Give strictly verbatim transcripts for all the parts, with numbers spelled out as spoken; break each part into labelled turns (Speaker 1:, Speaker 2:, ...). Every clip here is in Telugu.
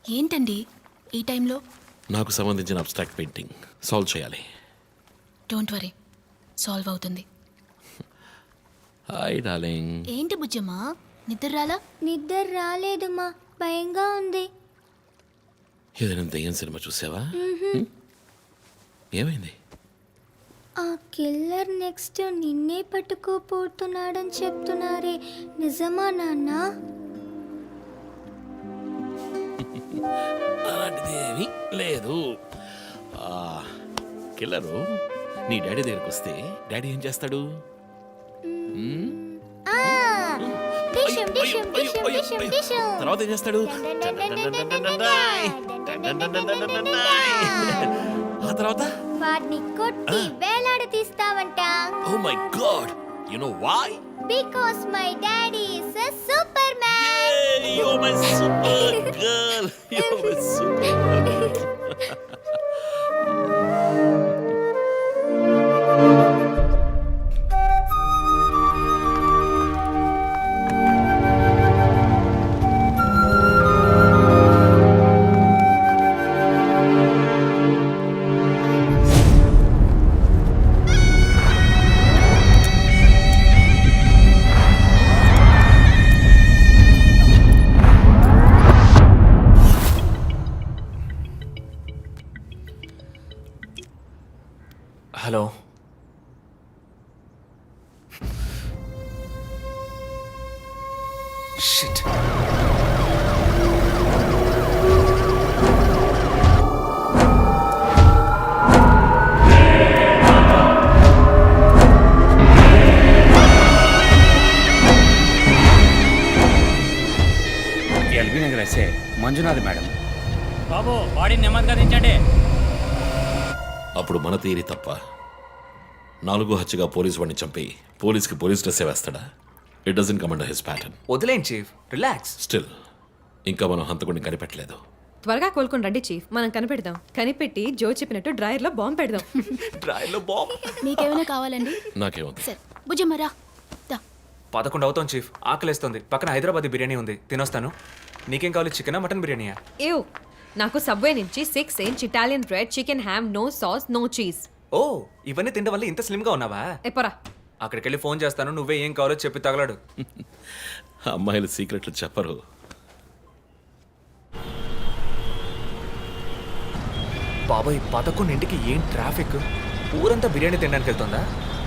Speaker 1: ఏంటండి ఈ టైంలో?
Speaker 2: నాకు సంబంధించిన అబ్స్ట్రాక్ట్ పెయింటింగ్ సాల్వ్ చేయాలి.
Speaker 1: డోంట్ వరీ, సాల్వ్ అవుతుంది.
Speaker 2: Hi darling.
Speaker 1: ఏంటి బుజ్జమ్మా, నిద్ర రాలా?
Speaker 3: నిద్ర రాలేదమ్మా, భయంగా ఉంది.
Speaker 2: ఏదైనా దెయ్యం సినిమా చూసావా? హ్మ్? ఏమైంది?
Speaker 3: ఆ కిల్లర్ నెక్స్ట్ నిన్నే పట్టుకోపోతున్నాడని చెప్తున్నారే, నిజమా నాన్న?
Speaker 2: అలాంటిది ఏమీ లేదు. కిల్లరు నీ డాడీ దగ్గరికి వస్తే డాడీ ఏం చేస్తాడు?
Speaker 3: ఆ, డిషుమ్, డిషుమ్, డిషుమ్, డిషుమ్, డిషుమ్.
Speaker 2: తర్వాత ఏం చేస్తాడు? ఆ తర్వాత
Speaker 3: వాడిని కొట్టి వేలాడ తీస్తావంట.
Speaker 2: Oh my god, you know why?
Speaker 3: Because my daddy is a super man.
Speaker 2: Yay, you're my super girl. You're my super girl.
Speaker 4: Hello, shit.
Speaker 5: LB Nagar SA Manjunath madam.
Speaker 6: బాబు బాడీని నెమ్మదిగా దించండి.
Speaker 2: అప్పుడు మన తీరి తప్ప నాలుగో హత్యగా పోలీస్ వాడిని చంపి పోలీస్కి పోలీస్ డ్రెస్ వేస్తాడా? It doesn't come under his pattern.
Speaker 4: వదిలేండి చీఫ్, రిలాక్స్.
Speaker 2: స్టిల్ ఇంకా మనం హంతకుడిని కనిపెట్టలేదు.
Speaker 7: త్వరగా కోలుకొని రండి చీఫ్, మనం కనిపెడదాం. కనిపెట్టి జో చెప్పినట్టు డ్రాయర్ లో బాంబు పెడదాం.
Speaker 4: డ్రాయర్లో బాంబ్.
Speaker 1: మీకేమైనా కావాలండి?
Speaker 2: నాకేమవుతుంది?
Speaker 1: సరే బుజ్జమ్మ రా. దా.
Speaker 4: పదకొండు అవుతాం చీఫ్, ఆకలేస్తుంది. పక్కన హైదరాబాద్ బిర్యానీ ఉంది, తినొస్తాను. నీకేం కావాలి, చికెనా మటన్ బిర్యానీయా?
Speaker 7: ఏవ్, నాకు సబ్వే నుంచి six inch Italian bread, chicken ham, no sauce, no cheese.
Speaker 4: Oh, ఇవన్నీ తినడం వల్ల ఇంత స్లిమ్గా ఉన్నావా?
Speaker 7: ఎప్పరా
Speaker 4: అక్కడికి వెళ్ళి ఫోన్ చేస్తాను, నువ్వే ఏం కావాలో చెప్పి తగలాడు.
Speaker 2: అమ్మాయిలు సీక్రెట్లు చెప్పరు.
Speaker 4: బాబాయ్, పదకొండింటికి ఏం ట్రాఫిక్? ఊరంతా బిర్యానీ తినడానికి వెళ్తుందా?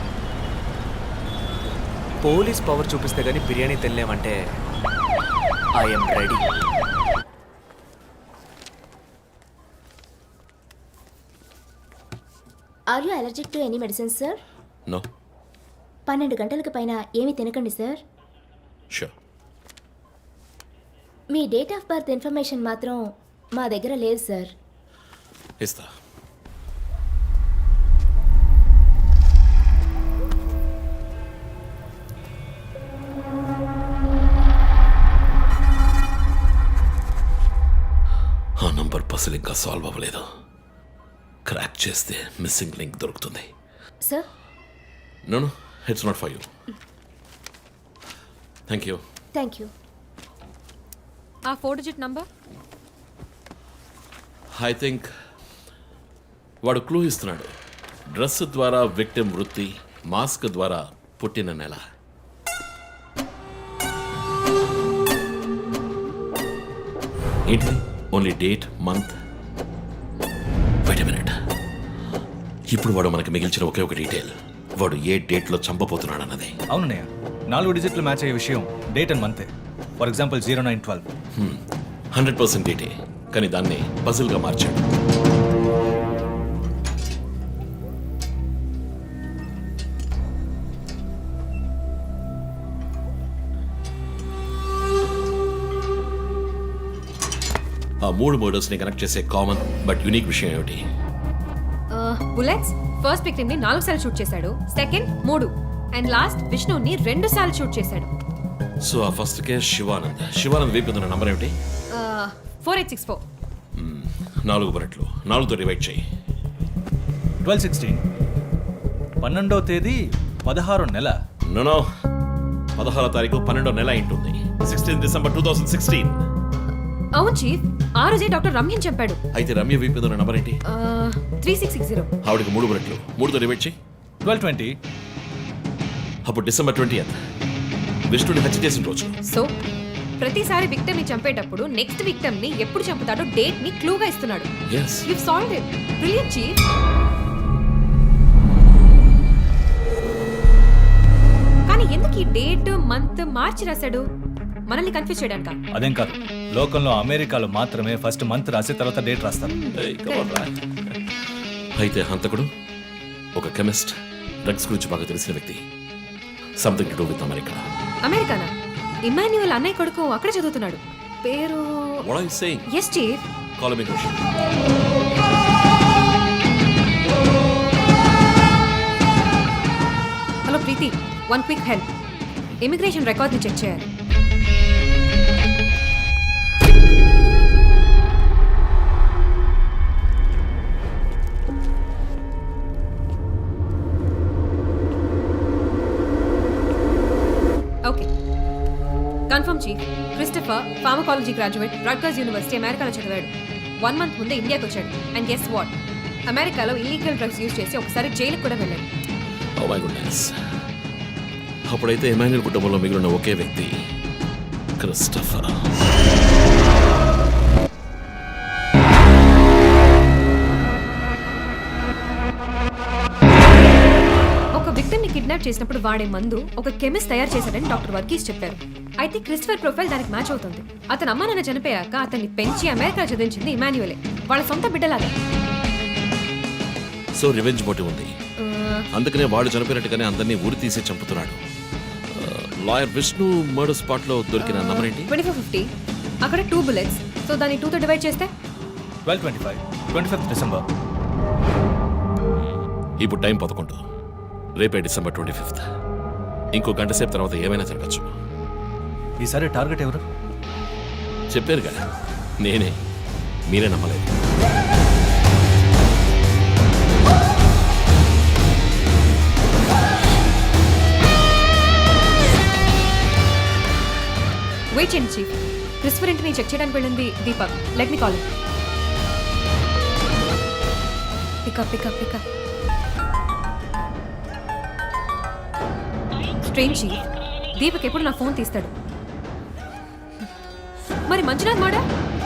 Speaker 4: పోలీస్ పవర్ చూపిస్తే గానీ బిర్యానీ తినలేమంటే I'm ready.
Speaker 3: Are you allergic to any medicine sir?
Speaker 2: No.
Speaker 3: పన్నెండు గంటలకు పైన ఏమీ తినకండి సార్.
Speaker 2: షూర్.
Speaker 3: మీ డేట్ ఆఫ్ బర్త్ ఇన్ఫర్మేషన్ మాత్రం మా దగ్గర లేదు సార్.
Speaker 2: ఇస్తా. ఆ నంబర్ పసిల్ ఇంకా సాల్వ్ అవ్వలేదు. క్రాక్ చేస్తే మిస్సింగ్ లింక్ దొరుకుతుంది.
Speaker 3: Sir,
Speaker 2: no no, it's not for you. Thank you.
Speaker 3: Thank you.
Speaker 7: ఆ four digit number.
Speaker 2: I think వాడు క్లూ ఇస్తున్నాడు. డ్రెస్ ద్వారా విక్టిమ్ వృత్తి, మాస్క్ ద్వారా పుట్టిన నెల. ఏంటి? Only date, month. Wait a minute. ఇప్పుడు వాడు మనకి మిగిల్చిన ఒకే ఒక డీటెయిల్, వాడు ఏ డేట్లో చంపబోతున్నాడు అన్నది.
Speaker 8: అవునన్నయ్య, నాలుగు డిజిట్లు మ్యాచ్ అయ్యే విషయం డేట్ అండ్ మంతే. For example zero nine twelve.
Speaker 2: Hundred percent డేటే, కానీ దాన్ని పజిల్గా మార్చాడు. ఆ మూడు మర్డర్స్ని కనెక్ట్ చేసే కామన్ బట్ యునిక్ విషయం ఏమిటి?
Speaker 7: బుల్లెట్స్. ఫస్ట్ విక్టిమ్ ని నాలుగు సార్లు షూట్ చేశాడు, సెకండ్ మూడు, అండ్ లాస్ట్ విష్ణుని రెండు సార్లు షూట్ చేశాడు.
Speaker 2: సో ఆ ఫస్ట్ కేస్ శివానంద్. శివానంద్ వీపు ఉన్న నంబర్ ఏమిటి?
Speaker 7: Four eight six four.
Speaker 2: నాలుగు బుల్లెట్లు, నాలుగుతో డివైడ్ చేయి.
Speaker 8: Twelve sixteen. పన్నెండో తేదీ పదహారో నెల.
Speaker 2: నో, పదహారో తారీఖు పన్నెండో నెల అయింటుంది. Sixteen December two thousand sixteen.
Speaker 7: అవును చీఫ్, ఆ రోజే డాక్టర్ రమ్యని చంపాడు
Speaker 2: అయితే రమ్య వీపు మీద ఉన్న నంబర్ ఏంటి?
Speaker 7: త్రీ సిక్స్ సిక్స్ జీరో
Speaker 2: ఆవిడకి మూడు బుల్లెట్లు, మూడుతో డివైడ్ చేయి.
Speaker 8: ట్వెల్వ్ ట్వంటీ
Speaker 2: అప్పుడు డిసెంబర్ ట్వంటీ ఎంత విష్ణుని హత్య చేసిన రోజు.
Speaker 7: సో ప్రతిసారి విక్టమ్ ని చంపేటప్పుడు నెక్స్ట్ విక్టమ్ ని ఎప్పుడు చంపుతాడో డేట్ ని క్లూగా ఇస్తున్నాడు.
Speaker 2: Yes,
Speaker 7: you solved it. Brilliant chief. కానీ ఎందుకు ఈ డేట్ మంత్ మార్చి రాశాడు? మనల్ని కన్ఫ్యూజ్ చేయడానికా?
Speaker 8: అదేం కాదు, లోకంలో అమెరికాలో మాత్రమే ఫస్ట్ మంత్ రాసి తర్వాత డేట్ రాస్తారు.
Speaker 2: ఏయ్, come on, రా. అయితే హంతకుడు ఒక కెమిస్ట్, డ్రగ్స్ గురించి బాగా తెలిసిన వ్యక్తి. Something to do with America.
Speaker 7: అమెరికానా? ఇమాన్యువల్ అన్నయ్య కొడుకు అక్కడ చదువుతున్నాడు. పేరు
Speaker 2: What are you saying?
Speaker 7: Yes chief.
Speaker 2: Call him in Russian.
Speaker 7: Hello Preethi, one quick help. Immigration record ని చెక్ చేయాలి. Okay, confirm chief. Christopher pharmacology graduate, Rutgers university, అమెరికాలో చదివాడు. వన్ మంత్ ముందే ఇండియాకి వచ్చాడు. And guess what? అమెరికాలో ఇల్లీగల్ డ్రగ్స్ యూజ్ చేసి ఒకసారి జైలుకి కూడా వెళ్ళాడు.
Speaker 2: Oh my goodness. అప్పుడైతే ఎమాన్యుల్ కుటుంబంలో మిగిలిన ఒకే వ్యక్తి క్రిస్టఫర్.
Speaker 7: ఒక విక్టిమ్ ని కిడ్నాప్ చేసినప్పుడు వాడే మందు ఒక కెమిస్ట్ తయారు చేశాడని డాక్టర్ వర్గీస్ చెప్పారు. అయితే క్రిస్టఫర్ ప్రొఫైల్ దానికి మ్యాచ్ అవుతుంది. అతని అమ్మ నాన్న చనిపోయాక అతన్ని పెంచి అమెరికా చదివించింది ఇమాన్యువలే, వాళ్ళ సొంత బిడ్డలాగా.
Speaker 2: సో రివెంజ్ మోటివ్ ఉంది, అందుకనే వాడు చనిపోయినట్టుగానే అందరినీ ఊరి తీసి చంపుతున్నాడు. లాయర్ విష్ణు మర్డర్ స్పాట్ లో దొరికిన నంబర్ ఏంటి?
Speaker 7: Twenty four fifty. అక్కడ టూ బుల్లెట్స్. సో దాన్ని టూ తో డివైడ్ చేస్తే
Speaker 8: twelve twenty five twenty fifth December.
Speaker 2: ఇప్పుడు టైం పదకొండు, రేపే డిసెంబర్ ట్వంటీ ఫిఫ్త్. ఇంకో గంట సేపు తర్వాత ఏమైనా జరగచ్చు.
Speaker 8: ఈసారి టార్గెట్ ఎవరు?
Speaker 2: చెప్పారు కదా, నేనే. మీరే నమ్మలేదు.
Speaker 7: వెయిట్ చేయండి చీఫ్. క్రిస్టఫర్ ఇంటిని చెక్ చేయడానికి వెళ్ళింది Deepak. Let me call. Pickup pickup pickup. Strange chief, Deepak ఎప్పుడు నా ఫోన్ తీస్తాడు. మరి మంజునాథ్ మాడా?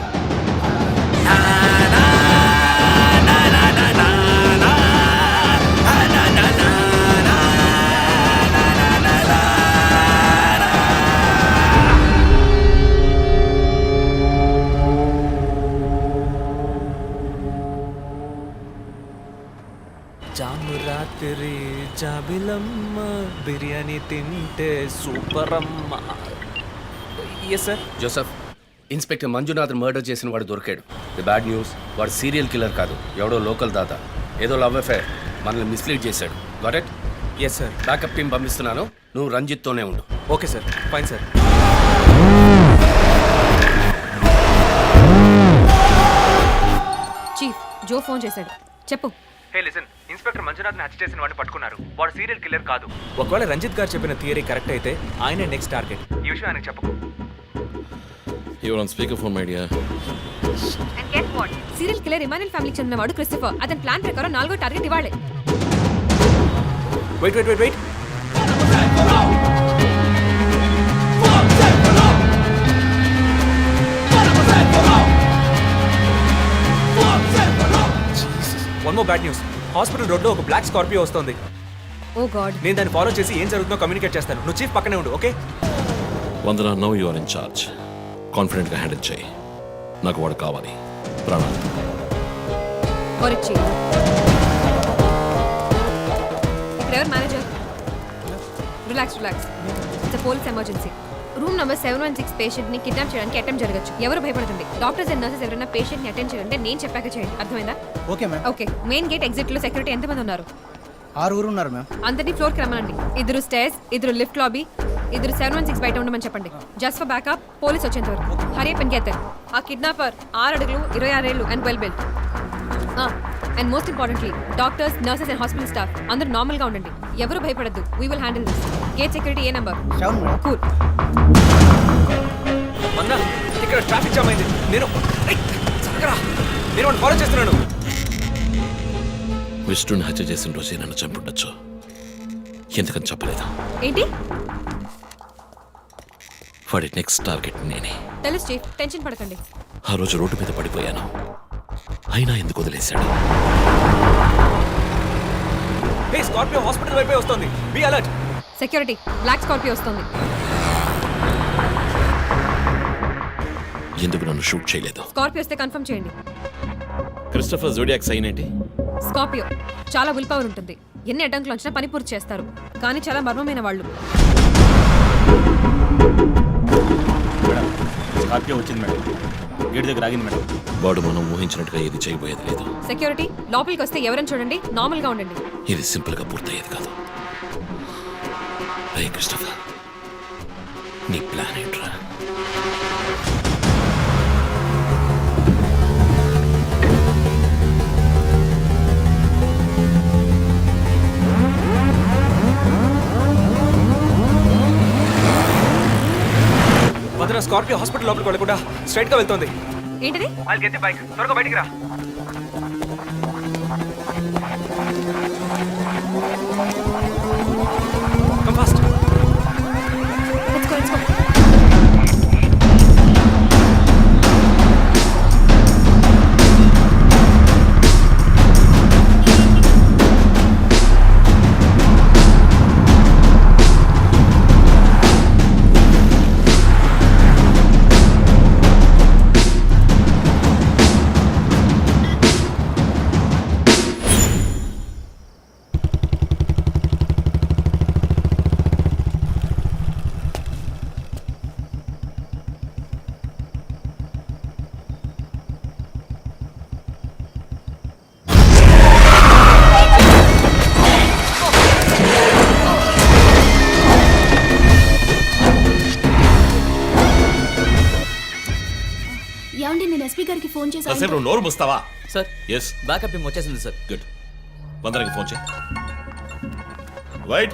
Speaker 4: జాము రాత్రి జాబిలమ్మ బిర్యానీ తింటే సూపర్ అమ్మ. Yes sir.
Speaker 5: Joseph, inspector Manjunath murder చేసిన వాడు దొరికాడు. ది బ్యాడ్ న్యూస్, వాడు సీరియల్ కిల్లర్ కాదు, ఎవడో లోకల్ దాత. ఏదో లవ్ అఫేర్, మనల్ని మిస్లీడ్ చేశాడు. Got it?
Speaker 4: Yes sir.
Speaker 5: Backup team పంపిస్తున్నాను, నువ్వు రంజిత్తోనే ఉండు.
Speaker 4: Okay sir, fine sir.
Speaker 7: Chief, Joe phone చేశాడు. చెప్పు.
Speaker 4: హే లిసన్, ఇన్స్పెక్టర్ మంజునాథ్ని హత్య చేసిన వాడిని పట్టుకున్నారు. వాడు సీరియల్ కిల్లర్ కాదు. ఒకవేళ రంజిత్ గారు చెప్పిన థియరీ కరెక్ట్ అయితే ఆయనే నెక్స్ట్ టార్గెట్. ఈ విషయం ఆయనకు చెప్పకు.
Speaker 2: Your on speaker phone my dear.
Speaker 7: And get what? Serial killer Emmanuel ఫ్యామిలీకి చెందినవాడు క్రిస్టఫర్. అతని ప్లాన్ ప్రకారం నాలుగో టార్గెట్ ఇవాళే.
Speaker 4: Wait wait wait wait one more bad news. Hospital road లో ఒక బ్లాక్ స్కార్పియో వస్తుంది.
Speaker 7: Oh god.
Speaker 4: నేను దాన్ని ఫాలో చేసి ఏం జరుగుతుందో కమ్యూనికేట్ చేస్తాను. నువ్వు చీఫ్ పక్కనే ఉండు, okay?
Speaker 2: Vandana, no you are in charge. Confident గా హ్యాండిల్ చేయి. నాకు వాడు కావాలి. ప్రాణాలు.
Speaker 7: కొరిచి. ఇక్కడ ఎవరు manager? Relax relax. It's police emergency. Room number seven one six patient ని కిడ్నాప్ చేయడానికి అటెంప్ట్ జరగచ్చు. ఎవరు భయపడుతుంది? డాక్టర్స్ అండ్ నర్సెస్ ఎవరైనా పేషెంట్ ని అటెండ్ చేయాలంటే నేను చెప్పాక చేయండి. అర్థమైందా?
Speaker 9: Okay ma'am.
Speaker 7: Okay. Main gate exit లో సెక్యూరిటీ ఎంతమంది ఉన్నారు?
Speaker 9: ఆరుగురు ఉన్నారు మ్యామ్.
Speaker 7: అందరినీ ఫ్లోర్ కి రమ్మనండి. ఇద్దరు స్టేర్స్, ఇద్దరు లిఫ్ట్ లాబీ, ఇద్దరు సెవెన్ వన్ సిక్స్ బయట ఉండమని చెప్పండి. జస్ట్ ఫర్ బ్యాకప్, పోలీస్ వచ్చేంత వరకు. హరి పని గెత్తారు. ఆ కిడ్నాపర్ ఆరు అడుగులు, ఇరవై ఆరేళ్ళు and well built. And most importantly doctors, nurses and hospital staff అందరూ నార్మల్ గా ఉండండి. ఎవరు భయపడద్దు. We will handle this. Gate security ఏ నెంబర్?
Speaker 9: Seven madam.
Speaker 7: కూల్.
Speaker 4: మన్నా ఇక్కడ ట్రాఫిక్ జామ్ అయింది. నేను ఏయ్, జరగరా. నేను వాడిని ఫాలో చేస్తున్నాను.
Speaker 2: విష్ణుని హత్య చేసిన రోజే నన్ను చంపుండొచ్చు. ఎందుకని చెప్పలేదు?
Speaker 7: ఏంటి?
Speaker 2: వాడి నెక్స్ట్ టార్గెట్ నేనే.
Speaker 7: తెలుసు చీఫ్, టెన్షన్ పడకండి.
Speaker 2: ఆ రోజు రోడ్డు మీద పడిపోయాను, అయినా ఎందుకు వదిలేశాడు?
Speaker 4: హే, స్కార్పియో హాస్పిటల్ వైపే వస్తుంది. Be alert.
Speaker 7: Security, black Scorpio వస్తుంది.
Speaker 2: ఎందుకు నన్ను షూట్ చేయలేదు?
Speaker 7: స్కార్పియో వస్తే కన్ఫర్మ్ చేయండి.
Speaker 2: క్రిస్టఫర్ జోడియాక్ సైన్ ఏంటి?
Speaker 7: స్కార్పియో చాలా విల్ పవర్ ఉంటుంది. ఎన్ని అడ్డంకులు వచ్చినా పని పూర్తి చేస్తారు. కానీ చాలా మర్మమైన వాళ్ళు.
Speaker 6: మేడం స్కార్పియో వచ్చింది మేడం. గేట్ దగ్గర ఆగింది మేడం.
Speaker 2: వాడు మనం ఊహించినట్టుగా ఏది చేయబోయేది లేదు.
Speaker 7: సెక్యూరిటీ, లోపలికి వస్తే ఎవరైనా చూడండి, నార్మల్ గా ఉండండి.
Speaker 2: ఇది సింపుల్ గా పూర్తయ్యేది కాదు. రే క్రిస్టఫర్, నీ ప్లాన్ ఏంట్రా?
Speaker 4: వదిన, స్కార్పియో హాస్పిటల్ లోపలికి వెళ్ళకుండా స్ట్రైట్ గా వెళ్తుంది.
Speaker 7: ఏంటిది?
Speaker 4: వాళ్ళు గెత్తి బైక్ త్వరగా బయటికి రా. Come fast.
Speaker 7: Let's go, let's go.
Speaker 1: ఏమండి, నేను ఎస్పీ గారికి ఫోన్ చేశాను.
Speaker 2: కాసేపు నువ్వు నోరు ముస్తావా?
Speaker 4: సార్,
Speaker 2: ఎస్,
Speaker 4: బ్యాకప్ టీమ్ వచ్చేసింది సార్.
Speaker 2: గుడ్. వందనకి ఫోన్ చేయి. Wait,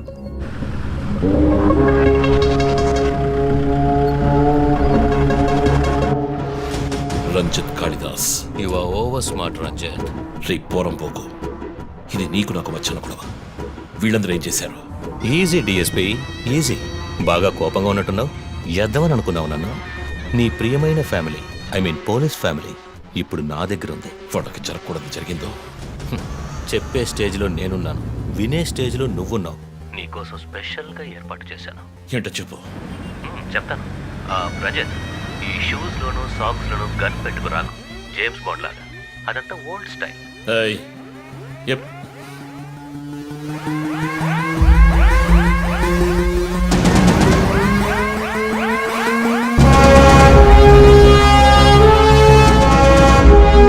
Speaker 2: Ranjith Kalidas.
Speaker 5: You are over smart Ranjith.
Speaker 2: రే పోరం పోకు, ఇది నీకు నాకు వచ్చిన గొడవ. వీళ్ళందరూ ఏం చేశారు?
Speaker 10: Easy DSP, easy. బాగా కోపంగా ఉన్నట్టున్నావు. ఎద్దామని అనుకున్నావు నన్ను. నీ ప్రియమైన family, I mean police family, ఇప్పుడు నా దగ్గర ఉంది.
Speaker 2: వాళ్ళకి జరగకూడదు జరిగిందో.
Speaker 10: హ్మ్. చెప్పే స్టేజ్లో నేనున్నాను, వినే స్టేజ్లో నువ్వున్నావు. నీకోసం స్పెషల్గా ఏర్పాటు చేశాను.
Speaker 2: ఏంటో చెప్పు.
Speaker 10: హ్మ్, చెప్తాను. ఆ, రజత్, ఈ షూస్లోను సాక్స్లోను గన్ పెట్టుకు రాకు, జేమ్స్ బాండ్ లాగా. అదంతా ఓల్డ్ స్టైల్.
Speaker 2: ఏయ్, ఎప్.